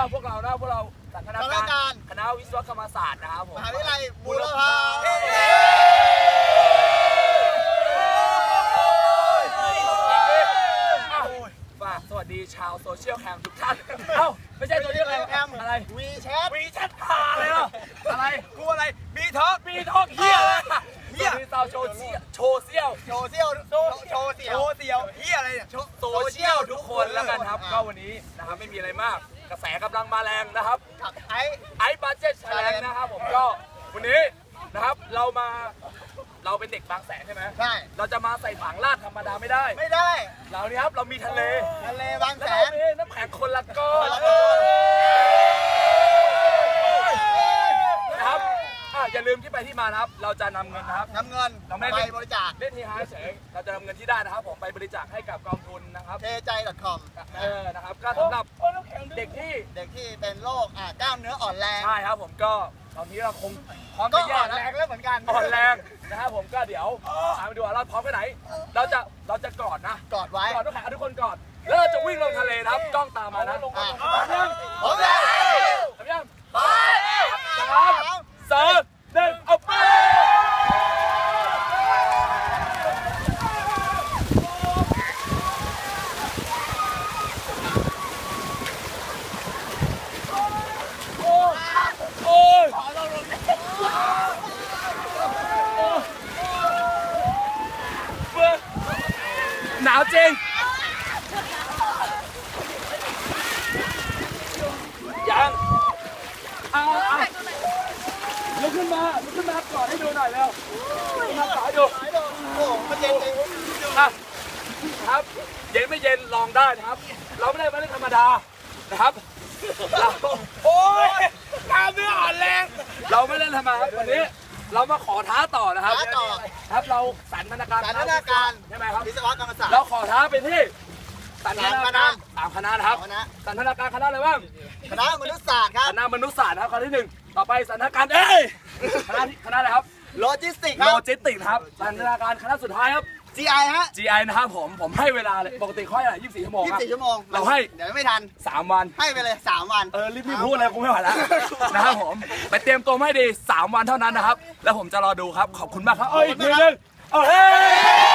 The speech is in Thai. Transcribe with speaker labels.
Speaker 1: พวกเราจากคณะวิศวกรรมศาสตร์นะครับผม
Speaker 2: มหาวิทยาลัยบูรพา
Speaker 1: สวัสดีชาวโซเชียลแคมทุกท่านไม่ใช่โซเชียลแคมอะไร
Speaker 2: วีแชท
Speaker 1: พาเลยเหรออะไร
Speaker 2: กูอะไรบีท็อก
Speaker 1: เฮียอะไรเฮียมีสาวโชว์เซี่ยวเฮียอะไรเนี่ยโซเชียลทุกคนแล้วกันครับก็วันนี้นะครับไม่มีอะไรมากกระแสกำลังมาแรงนะครับไอ้บัดเจ็ตแรงนะครับผมก็วันนี้นะครับเราเป็นเด็กบางแสนใช่ไหม
Speaker 2: ใช่
Speaker 1: เราจะมาใส่ถังลาดธรรมดาไม่ได้เรานี่ครับเรามีทะเล
Speaker 2: บางแสน
Speaker 1: น้ำแข็งคนละก้อนนะครับอย่าลืมที่ไปที่มานะครับเราจะนำเงินนะครับ
Speaker 2: ไปบริจาค
Speaker 1: เล่นทีฮาเฉยเราจะนำเงินที่ได้นะครับผมไปบริจาคให้กับกองทุนนะครับ
Speaker 2: tjai.com
Speaker 1: นะครับก็สำหรับเด็กที่
Speaker 2: เป็นโรคกล้ามเนื้ออ่อนแรง
Speaker 1: ใช่ครับผมก็ตอนนี้เราคงพร้อมจะแย่
Speaker 2: แล้วเหมือนกัน
Speaker 1: อ่อนแรงนะครับผมก็เดี๋ยวตามไปดูว่าเราพร้อมแค่ไหนเราจะกอดนะ
Speaker 2: กอดไว้
Speaker 1: กอดทุกคนกอดแล้วเราจะวิ่งลงทะเลครับกล้องตามมานะ
Speaker 2: พร้อมยัง
Speaker 1: พร้อมยังไป3 2 1เอาไปหนาวจริงยังลุกขึ้นมากอดให้ดูหน่อยเร็วมากอดให้ดู
Speaker 2: โอ้มันเย็นจริง
Speaker 1: ครับเย็นไม่เย็นลองได้นะครับเราไม่ได้ธรรมดานะครับโอ้ยกล้ามเนื้ออ่อนแรงเราไม่เล่นธรรมดาครับวันนี้เรามาขอท้าต่อนะครับครับเราสันทนาการใช่ไหมครับ
Speaker 2: วิศวกรรมศาสตร์
Speaker 1: เราขอท้าไปที่สันทนาการ3 คณะนะครับสันทนาการคณะอะไรบ้าง
Speaker 2: คณะมนุษยศาสตร์ครับ
Speaker 1: คณะมนุษยศาสตร์ครับคณะที่1ต่อไปสันทนาการคณะอะไรครับ
Speaker 2: โลจิสติก
Speaker 1: ครับสันทนาการคณะสุดท้ายครับ
Speaker 2: GI ฮะ
Speaker 1: GI นะครับผมให้เวลาเลยปกติค่อยอะไร24 ชั่วโมงครับ
Speaker 2: 24 ชั่วโมง
Speaker 1: เราให้
Speaker 2: เดี๋ยวไม่ทัน
Speaker 1: 3 วัน
Speaker 2: ให้ไปเลย3 วัน
Speaker 1: รีบพูดเลยกูไม่ไหวแล้วนะครับผมไปเตรียมตัวให้ดี3 วันเท่านั้นนะครับแล้วผมจะรอดูครับขอบคุณมากครับอีกทีนึงเฮ้